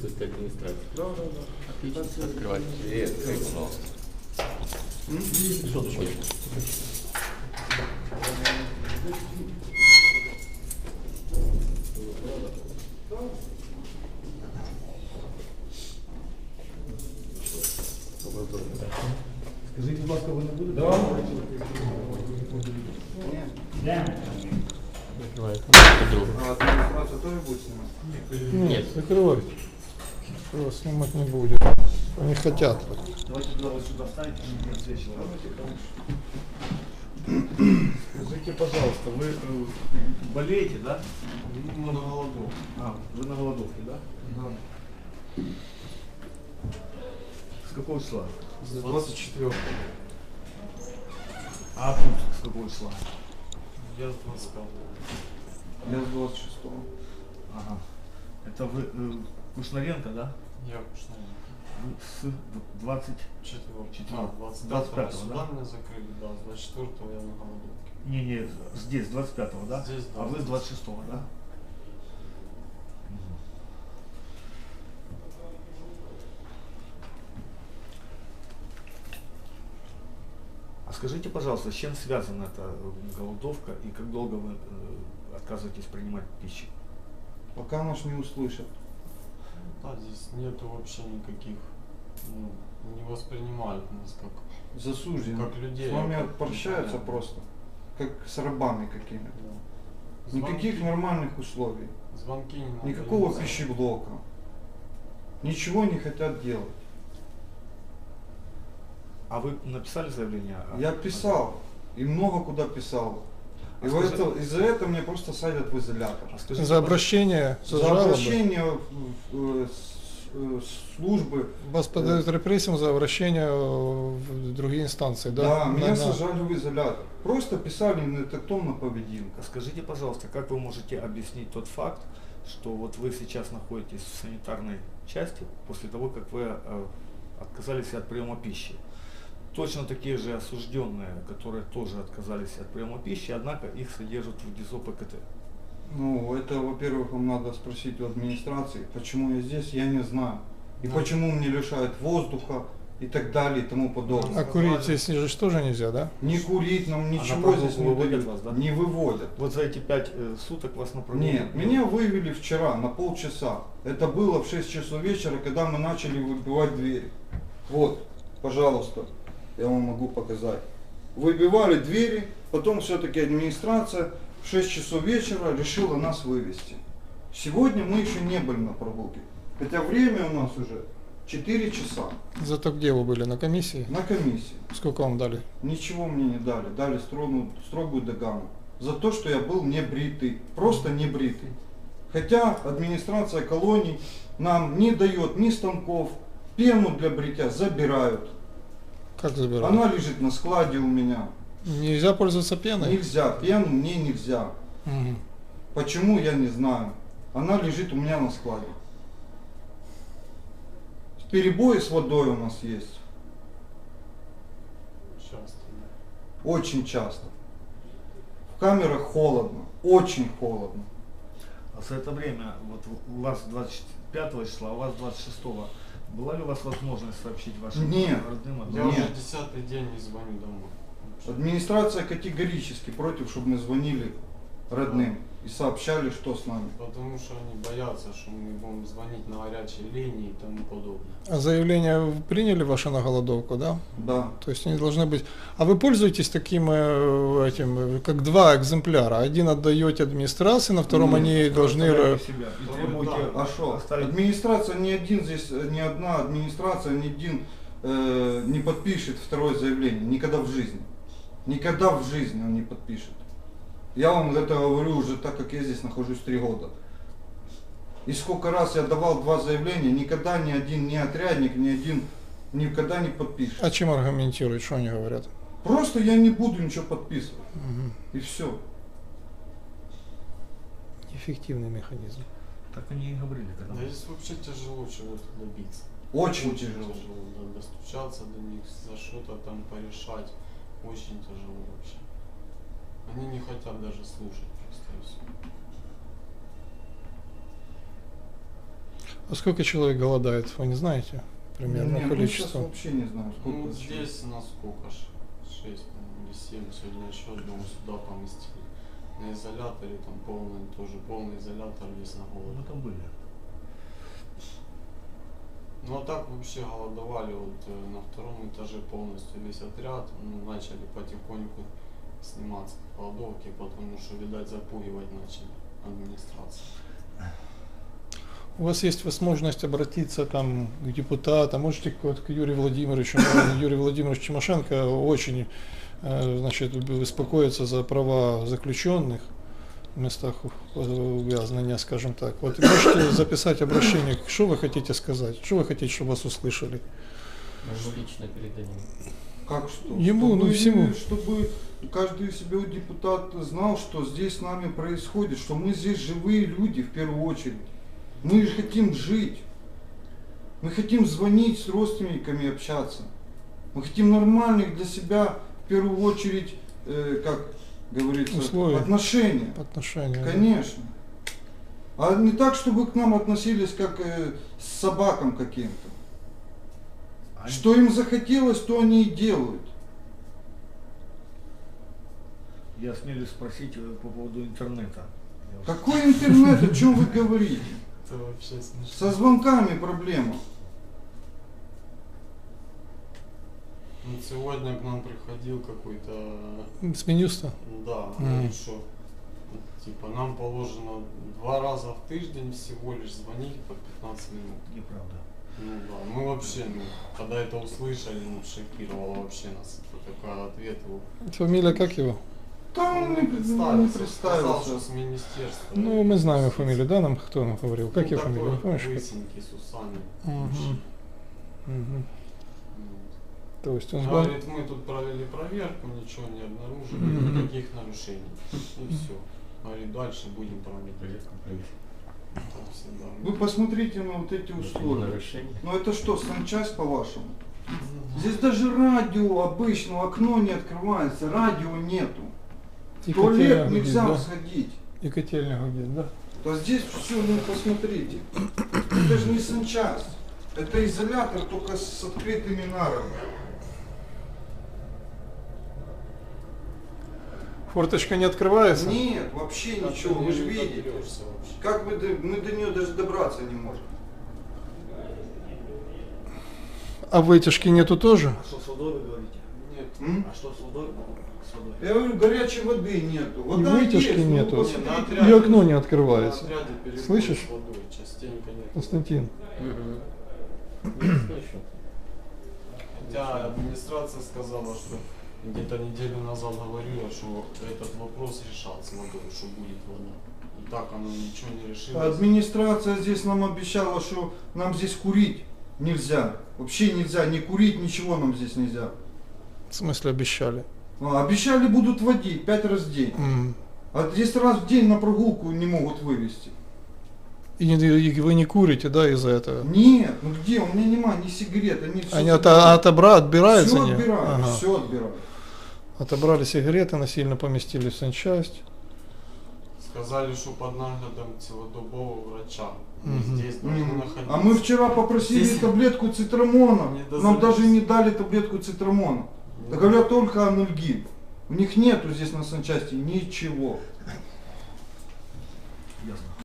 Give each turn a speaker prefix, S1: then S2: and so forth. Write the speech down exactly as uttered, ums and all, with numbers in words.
S1: присутствие администрации. Да, да, да. Отлично. Открывайте двери, откройте, пожалуйста. Ой.
S2: Скажите, будь ласка, ви не будете?
S1: Да.
S2: Да.
S1: Закрывайте.
S3: А администрация тоже будет снимать?
S1: Нет.
S4: Закрывай. Его снимать не будет. Они хотят.
S2: Давайте туда вот сюда встаньте, не отсвечивай. Скажите, пожалуйста, вы э, болеете, да?
S3: Мы на голоду.
S2: А, вы на голодовке, да?
S3: Да.
S2: С какого числа?
S3: С двадцать четвёртого.
S2: А тут с какого числа?
S3: Я с двадцать пятого. Я с двадцать шестого.
S2: Ага. Это вы э, Кушнаренко, да?
S3: Я Кушнаренко.
S2: Вы с двадцать
S3: Четвёртого.
S2: Четвёртого.
S3: А, двадцать
S2: двадцать
S3: пятого.
S2: пятого,
S3: Сюда
S2: да?
S3: меня закрыли, да. С двадцать четвёртого я на голодовке.
S2: Не, не, здесь, двадцать пятого, да?
S3: Здесь
S2: А вы с двадцать шестого, да? А скажите, пожалуйста, с чем связана эта голодовка и как долго вы э, отказываетесь принимать пищу?
S5: Пока нас не услышат.
S3: Да, здесь нету вообще никаких, ну, не воспринимают нас как,
S5: Засуждены.
S3: как людей.
S5: С вами
S3: а как
S5: общаются
S3: непонятно.
S5: просто. Как с рабами какими-то.
S3: Да.
S5: Никаких
S3: Звонки-
S5: нормальных условий.
S3: Звонки не надо.
S5: Никакого
S3: не
S5: пищеблока. Ничего не хотят делать.
S2: А вы написали заявление? о-
S5: Я писал. И много куда писал. И
S2: А
S5: вот
S2: скажи-
S5: это- из-за этого меня просто садят в изолятор.
S2: А скажите,
S4: За обращение, за,
S5: За
S4: жалобы.
S5: обращение в, в- в- с- э, службы.
S4: Вас подают репрессиям за обращение в другие инстанции, да?
S5: Да,
S4: На-
S5: меня
S4: на-
S5: сажали в изолятор. Просто писали нетактовно поведінка.
S2: А скажите, пожалуйста, как вы можете объяснить тот факт, что вот вы сейчас находитесь в санитарной части после того, как вы э, отказались от приема пищи? Точно такие же осужденные, которые тоже отказались от приема пищи, однако их содержат в ГИЗО ПКТ.
S5: Ну, это, во-первых, вам надо спросить у администрации, почему я здесь, я не знаю. И
S3: Да.
S5: почему мне лишают воздуха и так далее и тому подобное.
S4: А курить здесь же тоже нельзя, да?
S5: Не курить нам
S2: на
S5: ничего
S2: прогулку
S5: здесь не
S2: выводят
S5: дают,
S2: вас, да?
S5: не выводят.
S2: Вот за эти пять э, суток вас на прогулку?
S5: Нет, меня вывели вчера на полчаса. Это было в шесть часов вечера, когда мы начали выбивать двери. Вот, пожалуйста, я вам могу показать. Выбивали двери, потом все-таки администрация в шесть часов вечера решила нас вывести. Сегодня мы еще не были на прогулке, хотя время у нас уже четыре часа
S4: Зато где вы были? На комиссии?
S5: на комиссии.
S4: Сколько вам дали?
S5: Ничего мне не дали, дали строгую, строгую догану за то, что я был не бритый, просто не бритый. Хотя администрация колоний нам не дает ни станков, пену для бритья забирают.
S4: Как забирали?
S5: Она лежит на складе у меня.
S4: Нельзя пользоваться пеной?
S5: Нельзя, пену мне нельзя.
S4: Мгм.
S5: Почему, я не знаю. Она лежит у меня на складе. Перебои с водой у нас есть.
S3: Часто, да.
S5: Очень часто. В камерах холодно. Очень холодно.
S2: А за это время, вот у вас двадцать пятого числа, а у вас двадцать шестого, была ли у вас возможность сообщить вашим
S5: Нет.
S2: родным? о том,
S3: Я
S5: Нет.
S3: уже десятый день не звоню домой.
S5: Администрация категорически против, чтобы мы звонили родным и сообщали, что с нами.
S3: Потому что они боятся, что мы будем звонить на горячие линии и тому подобное.
S4: А заявление вы приняли ваше на голодовку, да?
S5: Да.
S4: То есть они должны быть... А вы пользуетесь таким, э, этим, э, как два экземпляра? Один отдаете администрации, на втором
S5: Нет,
S4: они должны... э,
S2: Оставляете себя и
S3: Да,
S2: требуете
S3: да.
S5: А что?
S2: оставить-
S5: Администрация ни один здесь, э, ни одна администрация, ни один э, не подпишет второе заявление. Никогда в жизни. Никогда в жизни он не подпишет. Я вам это говорю уже так, как я здесь нахожусь три года. И сколько раз я давал два заявления, никогда ни один, ни отрядник, ни один никогда не подпишет.
S4: А чем аргументируют, что они говорят?
S5: Просто я не буду ничего подписывать.
S4: Мгм.
S5: И все.
S4: Эффективный механизм.
S2: Так они и говорили, когда
S3: Да
S2: мы-
S3: здесь вообще тяжело чего-то добиться.
S5: Очень тяжело.
S3: да, достучаться до них, за что-то там порешать. Очень тяжело вообще. Они не хотят даже слушать просто и все.
S4: А сколько человек голодает, вы не знаете? Примерно
S5: Не, мы сейчас
S4: количество.
S5: вообще не знаю, сколько.
S3: Ну,
S5: вообще.
S3: здесь на сколько ж? шесть или семь сегодня еще одного сюда поместили. На изоляторе там полный, тоже полный изолятор весь на
S2: Мы
S3: голоде.
S2: там были.
S3: Ну а так вообще голодовали вот э, на втором этаже полностью весь отряд. Ну, начали потихоньку сниматься с голодовки, потому что, видать, запугивать начали администрацию.
S4: У вас есть возможность обратиться там к депутатам, можете к, вот, к Юрию Владимировичу. но Юрий Владимирович Тимошенко очень э, значит, беспокоится за права заключенных в местах увязнения, скажем так. Вот можете записать обращение, что вы хотите сказать, что вы хотите, чтобы вас услышали.
S1: Мы ему лично передадим.
S5: Как что?
S4: Ему,
S5: чтобы,
S4: ну, всему.
S5: Чтобы каждый себе депутат знал, что здесь с нами происходит, что мы здесь живые люди в первую очередь. Мы же хотим жить. Мы хотим звонить с родственниками, общаться. Мы хотим нормальных для себя, в первую очередь, э, как говорится,
S4: Условия.
S5: отношения.
S4: Отношения. да.
S5: Конечно. А не так, чтобы к нам относились как э, с собакам каким-то.
S2: Они-
S5: Что им захотелось, то они и делают.
S2: Я смелюсь спросить э, по поводу интернета. Я вот-
S5: Какой интернет, о чем вы говорите?
S3: Это вообще смешно.
S5: Со звонками проблема.
S3: Ну, сегодня к нам приходил какой-то,
S4: С Минюста?
S3: да,
S4: Мгм.
S3: говорит, что типа нам положено два раза в тиждень всего лишь звонить по пятнадцать минут.
S2: Неправда.
S3: Ну да, мы вообще, ну, когда это услышали, ну, шокировало вообще нас. Это такой ответ его.
S4: Фамилия как его?
S5: Там он не, не
S3: Сказал,
S5: представился.
S3: что с министерства.
S4: Ну, мы знаем его фамилию, да, нам кто нам говорил? Как
S3: Ну,
S4: его фамилия, не
S3: такой
S4: помнишь? как?
S3: лысенький, с усами.
S4: Мгм. Мгм.
S3: Вот.
S4: То есть он звон-
S3: Говорит, мы тут провели проверку, ничего не обнаружили,
S4: Мгм.
S3: никаких нарушений. И все. Говорит, дальше будем проводить.
S1: Проверку провести.
S3: Так всегда.
S5: Вы посмотрите на вот эти
S1: Это не
S5: условия.
S1: нарушение.
S5: Ну это что, санчасть по-вашему? Здесь даже радио обычно, окно не открывается, радио нету. В
S4: И
S5: туалет
S4: котельня гудит,
S5: нельзя
S4: да?
S5: сходить.
S4: И котельня гудит, да?
S5: То здесь все, ну посмотрите. Это же не санчасть. Это изолятор, только с открытыми нарами.
S4: Форточка не открывается?
S5: Нет, вообще
S3: Так
S5: ничего,
S3: ты
S5: вы же
S3: не
S5: видите.
S3: доберешься вообще.
S5: Как мы до, мы до нее даже добраться не можем.
S4: А вытяжки нету тоже?
S2: А что с водой вы говорите?
S3: Нет.
S5: М?
S2: А что с водой? С водой.
S5: Я говорю, горячей воды нету.
S4: И
S5: Вода
S4: вытяжки
S5: есть, ну,
S4: нету.
S5: посмотрите.
S3: Не, на
S4: И
S3: отряде-
S4: окно не
S3: На
S4: открывается.
S3: отряде перебой
S4: Слышишь?
S3: с водой, частенько нет.
S4: Константин.
S1: Мгм. Не слышу.
S3: Хотя администрация сказала, что где-то неделю назад говорила, что этот вопрос решался водой, что будет вода. И так оно ничего не решилось.
S5: Администрация здесь нам обещала, что нам здесь курить нельзя. Вообще нельзя, ни курить, ничего нам здесь нельзя.
S4: В смысле обещали?
S5: А, обещали будут водить пять раз в день.
S4: М.
S5: А здесь раз в день на прогулку не могут вывести.
S4: И, не- и вы не курите, да, из-за этого?
S5: Нет, ну где? У меня нема ни сигарет, они все
S4: Они от, отобра, отбираются?
S5: все
S4: они?
S5: отбирают,
S4: Ага.
S5: все отбирают.
S4: Отобрали сигареты, насильно поместили в санчасть.
S3: Сказали, что под наглядом целодобового врача. Мы
S4: Мгм.
S3: здесь должны
S5: Мгм.
S3: находиться.
S5: А мы вчера попросили
S3: Здесь-
S5: таблетку цитрамона,
S3: Не
S5: нам
S3: дозволились.
S5: даже не дали таблетку цитрамона.
S3: Не
S5: Говорят только анальгин. У них нету здесь на санчасти ничего.
S2: Ясно.